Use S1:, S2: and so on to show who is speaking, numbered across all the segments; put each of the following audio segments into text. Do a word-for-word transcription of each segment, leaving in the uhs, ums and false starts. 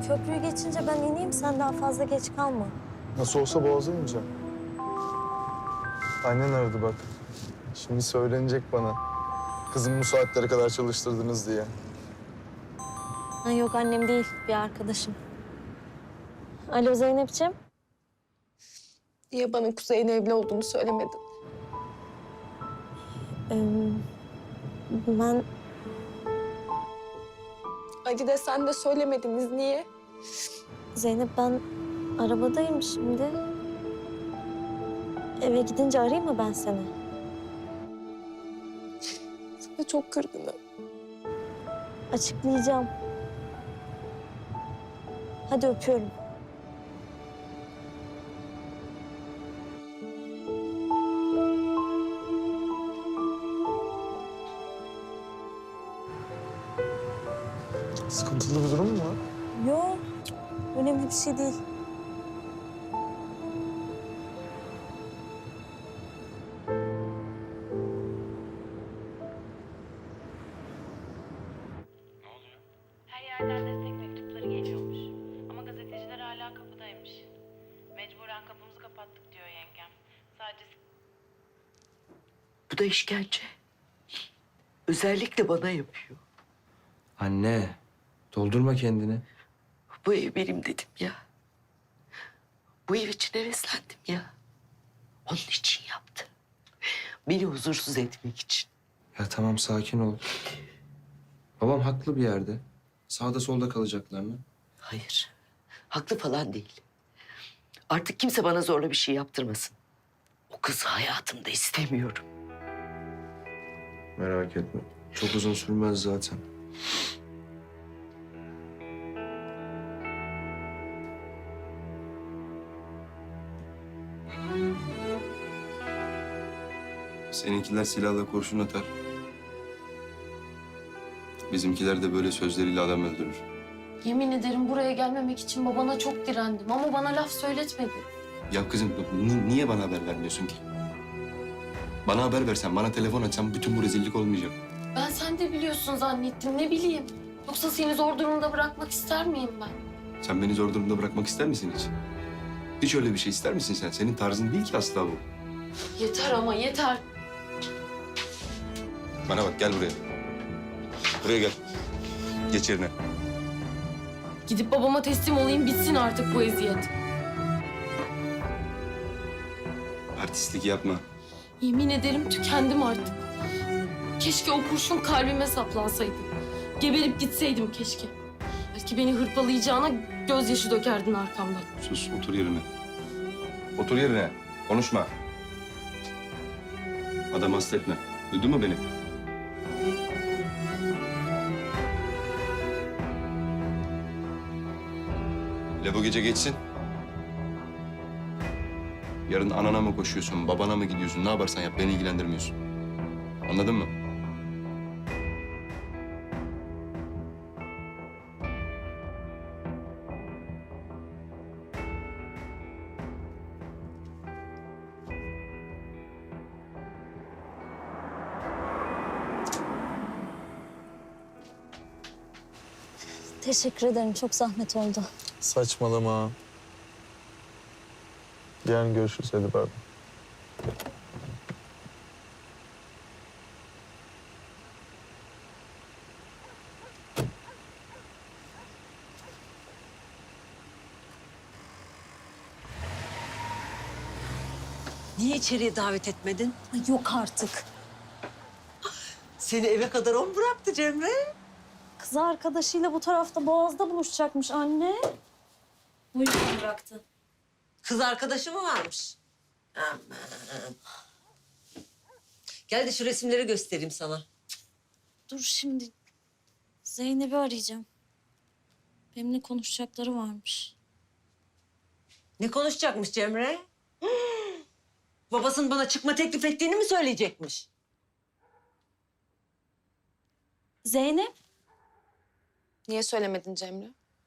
S1: Köprüyü geçince ben ineyim, sen daha fazla geç kalma.
S2: Nasıl olsa Boğaz'a ineceğim. Annen aradı bak. Şimdi söylenecek bana. Kızımı bu saatlere kadar çalıştırdınız diye.
S1: Ha, yok annem değil, bir arkadaşım. Alo Zeynep'ciğim.
S3: Niye bana Kuzey'in evli olduğunu söylemedin?
S1: Ee, ben
S3: Ali de sen de söylemediniz. Niye?
S1: Zeynep ben arabadayım şimdi. Eve gidince arayayım mı ben seni?
S3: Sana çok kırgınım.
S1: Açıklayacağım. Hadi öpüyorum.
S2: Sıkıntılı bir durum mu var?
S1: Yok, önemli bir şey değil.
S4: Ne oluyor? Her yerden destek mektupları geliyormuş. Ama gazeteciler hala kapıdaymış. Mecburen kapımızı kapattık diyor yengem. Sadece...
S5: Bu da işkence. Özellikle bana yapıyor.
S6: Anne, doldurma kendini.
S5: Bu ev benim dedim ya. Bu ev için heveslendim ya. Onun için yaptı. Beni huzursuz etmek için.
S6: Ya tamam, sakin ol. Babam haklı bir yerde. Sağda solda kalacaklar mı?
S5: Hayır. Haklı falan değil. Artık kimse bana zorla bir şey yaptırmasın. O kızı hayatımda istemiyorum.
S6: Merak etme. Çok uzun sürmez zaten.
S7: Seninkiler silahla kurşun atar. Bizimkiler de böyle sözleriyle adam öldürür.
S8: Yemin ederim buraya gelmemek için babana çok direndim ama bana laf söyletmedi.
S7: Ya kızım ni- niye bana haber vermiyorsun ki? Bana haber versen, bana telefon açsan bütün bu rezillik olmayacak.
S8: Ben sen de biliyorsun zannettim, ne bileyim. Yoksa seni zor durumda bırakmak ister miyim ben?
S7: Sen beni zor durumda bırakmak ister misin hiç? Hiç öyle bir şey ister misin sen? Senin tarzın değil ki asla bu.
S8: Yeter ama yeter.
S7: Bana bak, gel buraya. Buraya gel. Geç yerine.
S8: Gidip babama teslim olayım, bitsin artık bu eziyet.
S7: Artistlik yapma.
S8: Yemin ederim tükendim artık. Keşke o kurşun kalbime saplansaydı. Geberip gitseydim keşke. Belki beni hırpalayacağına gözyaşı dökerdin arkamdan.
S7: Sus, otur yerine. Otur yerine. Konuşma. Adam hasta etme. Duydun mu beni? Le bu gece geçsin. Yarın anana mı koşuyorsun, babana mı gidiyorsun, ne yaparsan yap, beni ilgilendirmiyorsun. Anladın mı?
S1: Teşekkür ederim, çok zahmet oldu.
S2: Saçmalama. Yarın görüşürüz, hadi pardon.
S5: Niye içeriye davet etmedin?
S1: Ay, yok artık.
S5: Seni eve kadar o mu bıraktı Cemre?
S1: Kız arkadaşıyla bu tarafta Boğaz'da buluşacakmış anne. O yüzden bıraktı.
S9: Kız arkadaşı mı varmış? Aman. Gel de şu resimleri göstereyim sana.
S1: Dur şimdi. Zeynep'i arayacağım. Benimle konuşacakları varmış.
S9: Ne konuşacakmış Cemre? Babasının bana çıkma teklif ettiğini mi söyleyecekmiş?
S1: Zeynep?
S3: Niye söylemedin Cemre?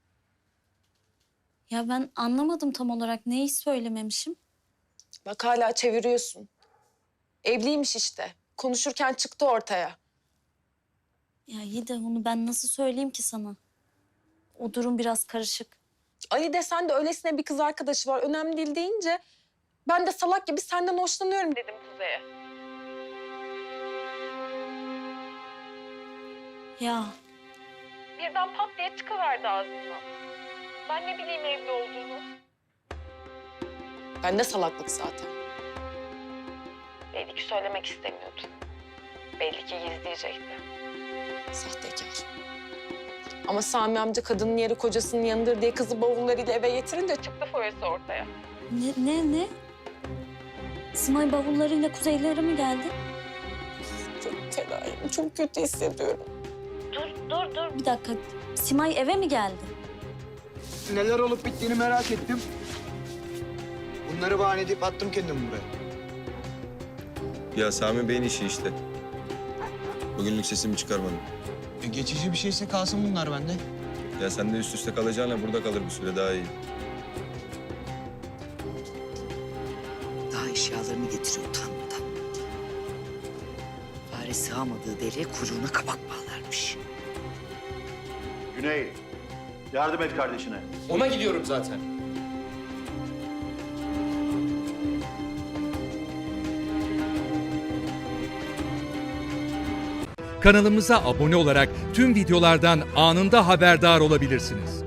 S1: Ya ben anlamadım tam olarak. Neyi söylememişim?
S3: Bak hala çeviriyorsun. Evliymiş işte. Konuşurken çıktı ortaya.
S1: Ya iyi de onu ben nasıl söyleyeyim ki sana? O durum biraz karışık.
S3: Ali desen de öylesine bir kız arkadaşı var. Önemli değil deyince ben de salak gibi senden hoşlanıyorum dedim Kuzey'e.
S1: Ya
S3: Birden pat diye çıkıverdi ağzından. Ben ne bileyim evli olduğunu. Ben de salaklık zaten. Belli ki söylemek istemiyordu. Belli ki gizleyecekti. Sahtekar. Ama Sami amca kadının yeri kocasının yanıdır diye kızı bavullarıyla eve getirince çıktı foyası ortaya.
S1: ne ne ne? Simay bavullarıyla kuzeylere mi geldi?
S3: Çok fenayım, çok kötü hissediyorum.
S1: Dur dur dur bir dakika. Simay eve mi geldi?
S10: Neler olup bittiğini merak ettim. Bunları bahane edip attım kendimi buraya.
S7: Ya Sami Bey'in işi işte. Bugünlük sesimi çıkarmadım.
S10: E, geçici bir şeyse kalsın bunlar bende.
S7: Ya sen de üst üste kalacağına burada kalır bir süre daha iyi.
S5: Daha eşyalarını getiriyor utanmadan. Fare sığamadığı deliğe kuyruğuna kabak bağlarmış.
S11: Güney, yardım et kardeşine.
S6: Ona gidiyorum zaten.
S12: Kanalımıza abone olarak tüm videolardan anında haberdar olabilirsiniz.